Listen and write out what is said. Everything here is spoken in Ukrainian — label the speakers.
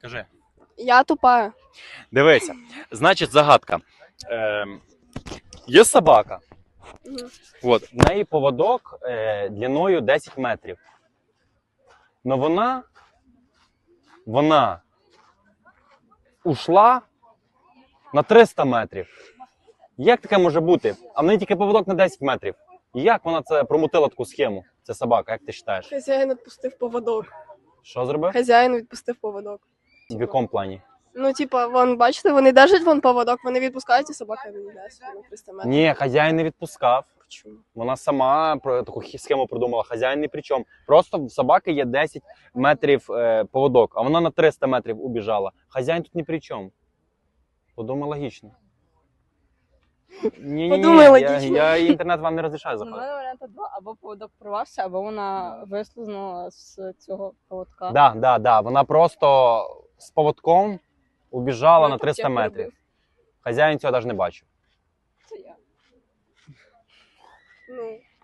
Speaker 1: Кажи.
Speaker 2: Я тупая.
Speaker 1: Дивися. Значить, загадка. Є собака.
Speaker 2: Мгм.
Speaker 1: От, в неї поводок длиною 10 метрів. Но вона ушла на 300 метрів. Як таке може бути? А в неї тільки поводок на 10 метрів. Як вона це промутила таку схему? Це собака, як ти вважаєш?
Speaker 2: Хазяїн відпустив поводок.
Speaker 1: Що зробив?
Speaker 2: Хазяїн відпустив поводок.
Speaker 1: В якому плані?
Speaker 2: Ну, типа, вон, бачите, вони держать вон поводок, вони відпускають, і собака не йде на 300 метрів.
Speaker 1: Ні, хазяїн не відпускав.
Speaker 2: Чому?
Speaker 1: Вона сама про таку схему придумала. Хазяїн ні при чому. Просто в собаки є 10 метрів поводок, а вона на 300 метрів убіжала. Хазяїн тут ні при чому. Подумай логічно. Ні,
Speaker 2: Подумай логічно.
Speaker 1: Я інтернет вам не розрішаю
Speaker 3: У мене
Speaker 1: заходити.
Speaker 3: варіанти два: або поводок порвався, або вона вислизнула з цього поводка.
Speaker 1: Да. Вона просто з поводком убіжала на 300
Speaker 3: Потім
Speaker 1: метрів.
Speaker 3: перебив.
Speaker 1: Хазяїн цього навіть не бачив.
Speaker 3: Це я.
Speaker 2: Ну,